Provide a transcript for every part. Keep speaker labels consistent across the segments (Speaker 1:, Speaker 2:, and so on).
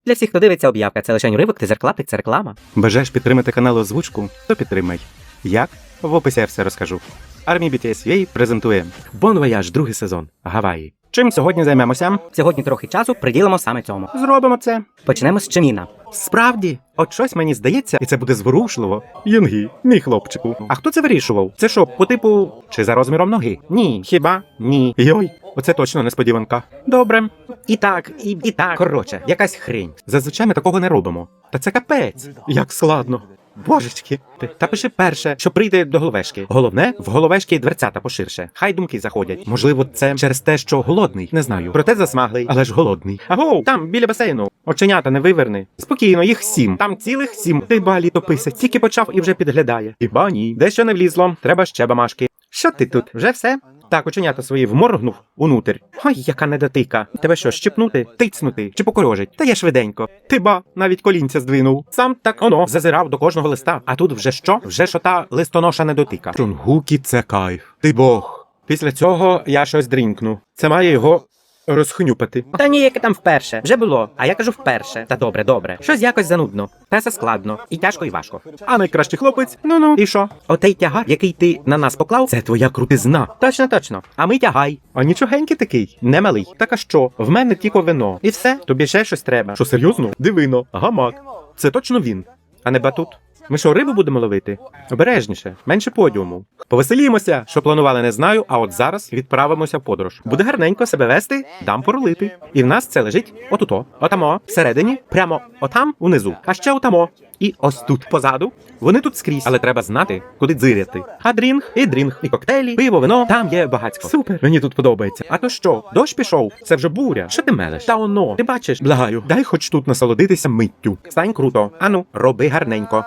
Speaker 1: Для всіх, хто дивиться об'явка, це лише уривок, ти зарклаптик, це реклама.
Speaker 2: Бажаєш підтримати канал озвучку? То підтримай. Як? В описі я все розкажу. Армія BTS UA презентує Bon Voyage, другий сезон. Гаваї. Чим сьогодні займемося?
Speaker 1: Сьогодні трохи часу приділимо саме цьому.
Speaker 2: Зробимо це.
Speaker 1: Почнемо з Чиміна.
Speaker 2: Справді, от щось мені здається, і це буде зворушливо. Юнгі, мій хлопчику. А хто це вирішував? Це що, по типу, чи за розміром ноги? Ні. Хіба? Ні. Йой, оце точно несподіванка. Добре. І так. Коротше, якась хрень. Зазвичай ми такого не робимо. Та це капець. Як складно. Божечки. Та пиши перше, що прийде до головешки. Головне, в головешки дверцята поширше. Хай думки заходять. Можливо, це через те, що голодний. Не знаю. Проте засмаглий, але ж голодний. Агоу, там, біля басейну. Оченята не виверни. Спокійно, їх 7. Там цілих 7. Ти ба літописець. Тільки почав і вже підглядає. Хіба ні. Дещо не влізло. Треба ще бамашки. Що ти тут? Вже все? Так, оченята свої вморгнув унутрь. Ой, яка недотика. Тебе що, щепнути, тицнути чи покорожить? Та я швиденько. Ти ба, навіть колінця здвинув. Сам так оно зазирав до кожного листа. А тут вже що? Вже що та листоноша недотика. Чунгукі це кайф. Ти бог. Після цього я щось дрінкну. Це має його розхнюпати.
Speaker 1: Та ні, яке там вперше. Вже було. А я кажу вперше. Та добре. Щось якось занудно. Песа складно. І тяжко, і важко.
Speaker 2: А найкращий хлопець? Ну. І що?
Speaker 1: Отей тягар, який ти на нас поклав,
Speaker 2: Це твоя крутизна.
Speaker 1: точно. А ми тягай.
Speaker 2: А нічогенький такий, не малий. Так а що? В мене тільки вино. І все? Тобі ще щось треба. Що, серйозно? Дивино, гамак. Це точно він, а не батут. Ми що, рибу будемо ловити? Обережніше, менше подіуму. Повеселімося, що планували, не знаю, а от зараз відправимося в подорож. Буде гарненько себе вести, дам порулити. І в нас це лежить отуто, отамо, всередині, прямо отам, унизу. А ще отамо. І ось тут, позаду. Вони тут скрізь, але треба знати, куди дзиряти. А дрінг, і коктейлі, пиво, вино, там є багатько. Супер, мені тут подобається. А то що, дощ пішов? Це вже буря. Що ти мелеш? Та оно, ти бачиш, благаю, дай хоч тут насолодитися миттю. Стань круто. Ану, роби гарненько.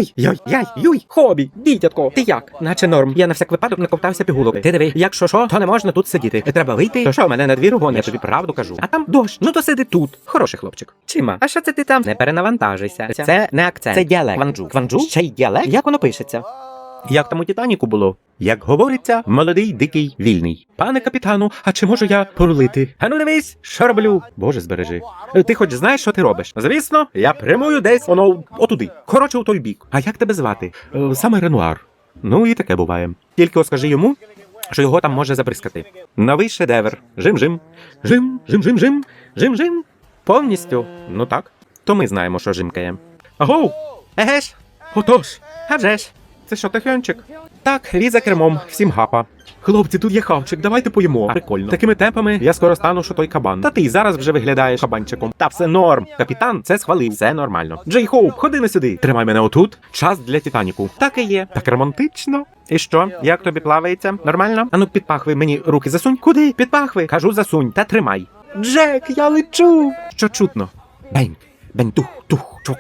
Speaker 2: Юй, хобі, дітятко, ти як?
Speaker 1: Наче норм. Я на всяк випадок наковтався пігулок. Ти диви, якщо що, то не можна тут сидіти. Треба вийти.
Speaker 2: То що, мене на двір гониш?
Speaker 1: Я тобі правду кажу.
Speaker 2: А там дощ.
Speaker 1: Ну то сиди тут. Хороший хлопчик. Чима, а що це ти там? Не перенавантажуйся. Це не акцент. Це діалект. Кванджу. Кванджу? Ще й діалект? Як воно пишеться?
Speaker 2: Як там у Титаніку було? Як говориться, молодий, дикий, вільний. Пане капітану, а чи можу я порулити? Ану дивись, що роблю? Боже, збережи. Ти хоч знаєш, що ти робиш? Звісно, я прямую десь, воно, отуди. Коротше, у той бік. А як тебе звати? Саме Ренуар. Ну і таке буває. Тільки от скажи йому, що його там може забризкати. Новий шедевр. Жим-жим. Жим-жим-жим-жим. Жим-жим. Повністю. Ну так. То ми знаємо, що жимкає. Агоу!
Speaker 1: Еге ж?
Speaker 2: Отож.
Speaker 1: А вже ж.
Speaker 2: Це що, тихончик? Так, віз за кермом, всім гапа. Хлопці, тут є хавчик, давайте поїмо. Прикольно. Такими темпами я скоро стану, що той кабан. Та ти й зараз вже виглядаєш кабанчиком. Та все норм. Капітан це схвалив, все нормально. Джей Хоуп, ходи не сюди. Тримай мене отут. Час для Титаніку. Так і є. Так романтично. І що? Як тобі плавається? Нормально? Ану, під пахви мені руки засунь. Куди? Під пахви. Кажу, засунь, та тримай. Джек, я лечу. Що чутно? Бень, бень, тух, чпок,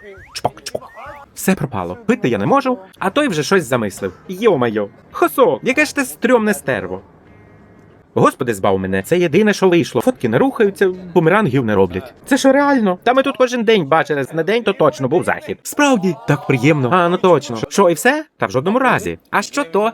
Speaker 2: чпок. Все пропало. Пити я не можу, а той вже щось замислив. Йо-майо. Хосо, яке ж ти стрьомне стерво. Господи, збав мене, це єдине, що вийшло. Фотки не рухаються, бумерангів не роблять. Це що реально? Та ми тут кожен день бачили, на день то точно був захід. Справді, так приємно. А, ну точно. Що, і все? Та в жодному разі. А що то?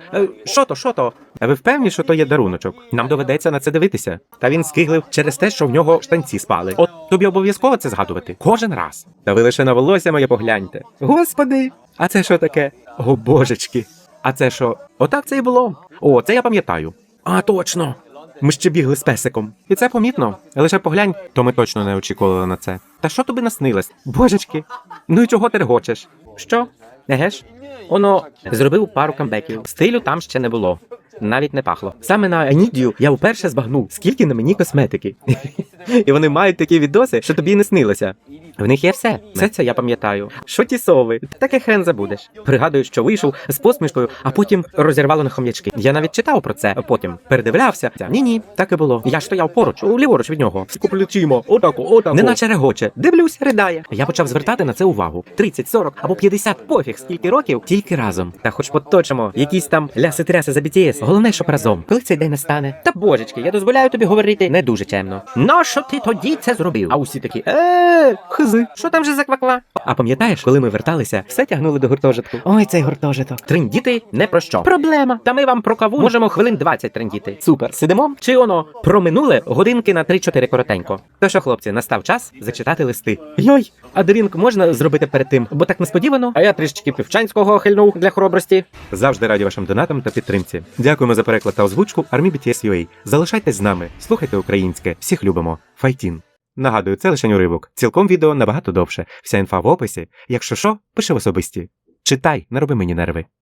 Speaker 2: Що то? А ви впевнені, що то є даруночок? Нам доведеться на це дивитися. Та він скиглив через те, що в нього штанці спали. От тобі обов'язково це згадувати. Кожен раз. Та ви лише на волосся моє погляньте. Господи, а це що таке? О, божечки. А це що? Отак це і було. О, це я пам'ятаю. А, точно. Ми ще бігли з песиком. І це помітно. Лише поглянь, то ми точно не очікували на це. Та що тобі наснилось? Божечки. Ну і чого ти регочеш? Що?
Speaker 1: Еге ж? Воно зробив пару камбеків. Стилю там ще не було. Навіть не пахло. Саме на Анідію я вперше збагнув, скільки на мені косметики. І вони мають такі відоси, що тобі не снилося. В них є все. Все це я пам'ятаю. Що ті сови? Таке хрен забудеш. Пригадую, що вийшов з посмішкою, а потім розірвало на хом'ячки. Я навіть читав про це, потім передивлявся. Ні, так і було. Я стояв поруч, ліворуч від нього. Скоплючимо, отако. Неначе регоче. Дивлюсь, ридає. Я почав звертати на це увагу. 30, 40 або 50, пофіг, скільки років, тільки разом. Та хоч поточимо, якісь там ляси-тряси за BTS. Головне, щоб разом. Коли цей день настане? Та божечки, я дозволяю тобі говорити не дуже чемно. Нащо ти тоді це зробив? А усі такі, хизи, що там же за кваква? А пам'ятаєш, коли ми верталися, все тягнули до гуртожитку. Ой, цей гуртожиток. Трендіти не про що. Проблема. Та ми вам про каву можемо хвилин 20 трендіти. Супер. Сидимо? Чи воно про минуле годинки на 3-4 коротенько. То що, хлопці, настав час зачитати листи. Йой, а дрінк можна зробити перед тим, бо так несподівано. А я трішечки півчанського хильнув для хоробрості.
Speaker 2: Завжди раді вашим донатам та підтримці. Дякуємо за переклад та озвучку Army BTS UA. Залишайтесь з нами, слухайте українське, всіх любимо. Файтін. Нагадую, це лише уривок. Цілком відео набагато довше. Вся інфа в описі. Якщо що, пиши в особисті. Читай, не роби мені нерви.